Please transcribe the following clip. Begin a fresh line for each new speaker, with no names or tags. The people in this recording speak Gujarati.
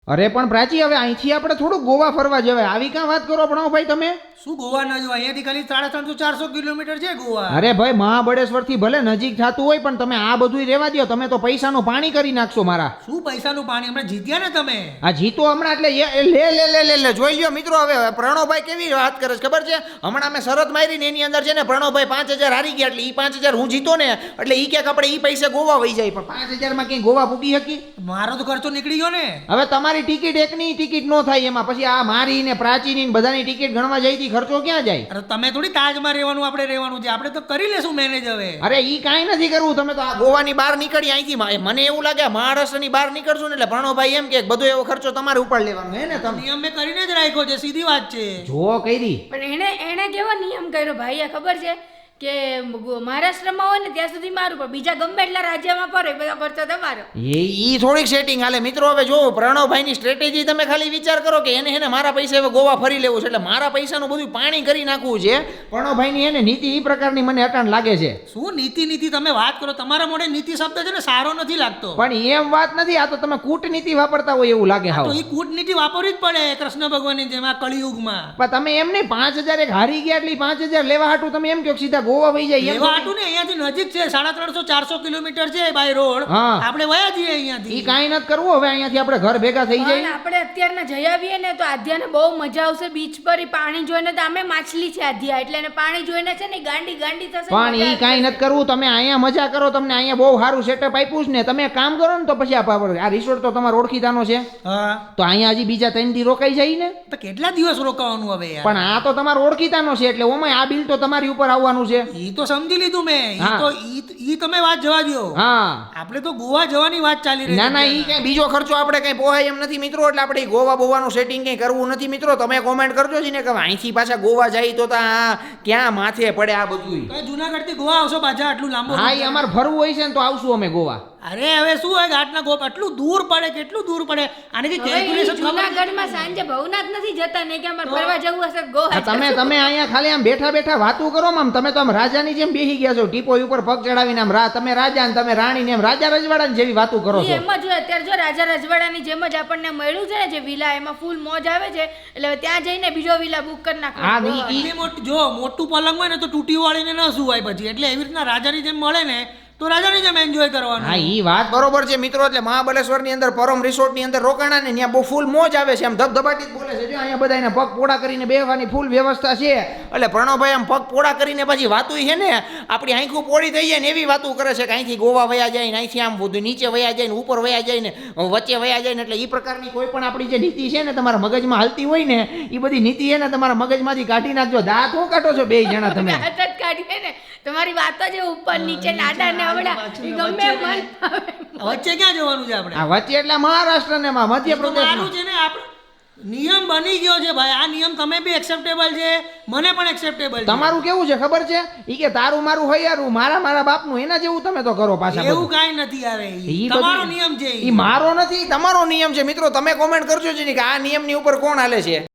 અરે પણ પ્રાચી, હવે અહીંથી આપણે થોડું ગોવા ફરવા જવાય. આવી ક્યાં વાત કરો પ્રણવભાઈ તમે?
શું ગોવા ના જો અહીંયાથી ખાલી 350-400 કિલોમીટર છે ગોવા.
અરે ભાઈ, મહાબળેશ્વર થી ભલે નજીક થતું હોય પણ તમે આ બધું રહેવા દો. તમે તો પૈસાનું પાણી કરી નાખશો મારા.
શું પૈસાનું પાણી? હમણાં જીત્યા ને તમે.
આ જીતો હમણાં એટલે લે લે લે લે લે જોઈ લ્યો મિત્રો. હવે પ્રણવભાઈ કેવી વાત કરે છે ખબર છે? હમણાં મેં શરત મારી ને એની અંદર છે ને પ્રણવભાઈ 5000 હારી ગયા એટલે ઈ 5000 હું જીતો ને એટલે ઈ ક્યાંક આપણે ઈ પૈસે ગોવા વહી જાય. પણ 5000 માં કઈ ગોવા પૂકી શકી?
મારો તો ખર્ચો નીકળી ગયો ને.
હવે તમારી ટિકિટ એકની ટિકિટ નો થાય એમાં, પછી આ મારી ને પ્રાચીની ને બધાની ટિકિટ ગણવા જાય ખર્ચો ક્યાં જાય?
અરે તમે થોડી તાજમાં રહેવાનું, આપણે રહેવાનું છે. આપણે તો કરી લેશું મેનેજ હવે.
અરે ઈ કાંઈ નથી કરવું. તમે તો આ ગોવાની બહાર નીકળી અહીંથી. મને એવું લાગે મહારાષ્ટ્રની બહાર નીકળશું ને એટલે પ્રણવભાઈ એમ કે બધો એવો ખર્ચો તમારે ઉપર લેવાનો હે ને? તમે
નિયમ મેં કરીને જ રાખ્યો છે, સીધી વાત છે.
જો કરી
પણ એને કેવો નિયમ કર્યો ભાઈ ખબર છે કે મહારાષ્ટ્રમાં હોય ને ત્યાં સુધી મારું, પણ બીજા ગમે એટલા રાજ્યમાં પડે બધો ખર્ચો તમારો.
ઈ થોડીક સેટિંગ હાલે મિત્રો. હવે જો પ્રણવભાઈની સ્ટ્રેટેજી તમે ખાલી વિચાર કરો કે એને મારા પૈસા હવે ગોવા ફરી લેવું છે એટલે મારા પૈસાનું બધું પાણી કરી નાખવું છે. પ્રણવભાઈની એને નીતિ ઈ પ્રકારની મને અટાણ લાગે છે.
શું નીતિ તમે વાત કરો? તમારા મોઢે નીતિ શબ્દ છે ને સારો નથી લાગતો.
પણ એમ વાત નથી, આ તો તમે કૂટનીતિ વાપરતા હોય એવું લાગે.
તો એ કૂટનીતિ વાપરવી જ પડે કૃષ્ણ ભગવાનની જેમ આ કળિયુગમાં.
પણ તમે એમ નહીં 5000 એક હારી ગયા એટલે 5000 લેવા હાટું તમે એમ કહો સીધા ગોવા વહી જાય?
એવા હાટું ને, અહીંયાથી નજીક છે, 350-400 કિલોમીટર છે બાય રોડ.
હા.
આપણે વયા જઈએ અહીંયાથી.
ઈ કાંઈ નથી કરવું. હવે અહીંયાથી આપણે ઘર ભેગા થઈ
પણ
જાય.
આપણે અત્યારના જઈ આવીએ ને તો આધ્યાને બહુ મજા આવશે બીચ પર. ઈ પાણી જોઈને તો આમે માછલી છે આધ્યા, એટલે એને પાણી જોઈને છે ને ગાંડી થશે.
પણ ઈ કાંઈ નથી કરવું. તમે અહીંયા મજા કરો, તમને અહીંયા બહુ સારું સેટઅપ આપ્યું છે ને. તમે એક કામ કરો ને તો પછી આ રિસોર્ટ તો તમારો ઓળખીતાનો છે.
હા,
તો અહીંયા હજી બીજા 3 દી રોકાઈ જાય ને.
તો કેટલા દિવસ રોકાવાનું હવે યાર?
પણ આ તો તમારો ઓળખીતાનો છે એટલે ઓમાં આ બિલ તો તમારી ઉપર આવવાનું છે.
ઈ તો સમજી લીધું મેં.
હા.
ઈ તમે વાત જવા દો.
હા,
આપણે તો ગોવા જવાની વાત ચાલી રહી
ના
છે.
ના, ઈ કઈ બીજો ખર્ચો આપણે કઈ પોહાય એમ નથી મિત્રો. એટલે આપણે ઈ ગોવા બોવાનું સેટિંગ કઈ કરવું નથી મિત્રો. તમે કોમેન્ટ કરજો છે ને કે અહીંથી પાછા ગોવા જાય તો ક્યાં માથે પડે આ બધું.
તો જુનાગઢ થી ગોવા આવશો પાછા? આટલું લાંબુ?
હા, ઈ અમારે ફરવું હોય છે ને તો આવશું અમે ગોવા.
અરે હવે શું હોય ઘાટના ગોપ આટલું દૂર પડે, કેટલું દૂર પડે? આની કેલ્ક્યુલેશન
જુનાગઢમાં સાંજે ભવનાથ નથી જતા ને કે અમારે ફરવા જવું હશે ગોવા.
તમે અહીંયા ખાલી આમ બેઠા વાતું કરો આમ. તમે તો આમ રાજાની જેમ બેસી ગયા છો, ટીપોઈ ઉપર પગ ચડાવીને. આમ તમે રાજા ને તમે રાણી ને એમ રાજા રજવાડાની જેવી વાતું કરો છો.
એમ જ હોય અત્યારે. જો રાજા રજવાડાની જેમ જ આપણને મળ્યું છે ને જે વિલા, એમાં ફૂલ મોજ આવે છે. એટલે ત્યાં જઈને બીજો વિલા બુક કરી નાખો.
જો મોટું પલંગ હોય ને તો તૂટી વાળીને ન સુવાય પછી. એટલે એવી રીતના રાજાની જેમ મળે ને તો રાજાની જેમ એન્જોય કરવાનું.
હા, ઈ વાત બરોબર છે મિત્રો. એટલે મહાબળેશ્વર ની અંદર પરમ રિસોર્ટ ની અંદર રોકાણા ને ત્યાં બહુ ફૂલ મોજ આવે છે. આમ ધબધબાટી જ બોલે છે. જો અહીંયા બધા એના પગ પોડા કરીને બેહવાની ફૂલ વ્યવસ્થા છે. એટલે પ્રણવભાઈ આમ પગ પોડા કરીને પછી વાતું છે ને આપણી આંખું પોડી થઈ જાય ને એવી વાતું કરે છે કે અહીંથી ગોવા વયા જાય ને અહીંથી આમ બધું નીચે વયા જાય ને ઉપર વયા જાય ને વચ્ચે વયા જાય ને. એટલે એ પ્રકારની કોઈ પણ આપણી જે નીતિ છે ને તમારા મગજમાં હાલતી હોય ને એ બધી નીતિ છે ને તમારા મગજમાંથી કાઢી નાખજો. દાંત હું કાઢો છો બે જણા તમે?
કાઢીએ ને તમારી વાતો જે ઉપર નીચે નાડા ને
વચ્ચે ક્યાં જવાનું છે આપણે?
આ વચ્ચે એટલે મહારાષ્ટ્ર ને મધ્યપ્રદેશ
છે ને. આપણે નિયમ બની ગયો છે ભાઈ. આ નિયમ તમે બી એક્સેપ્ટેબલ છે, મને પણ એક્સેપ્ટેબલ છે.
તમારું કેવું છે ખબર છે? ઈ કે તારું મારું હૈયારું, મારા બાપનું, એના જેવું તમે તો કરો પાછા.
એવું કાંઈ નથી. આવે તમારો નિયમ છે.
ઈ મારો નથી, તમારો નિયમ છે મિત્રો. તમે કોમેન્ટ કરજો છે કે આ નિયમની ઉપર કોણ હાલે છે.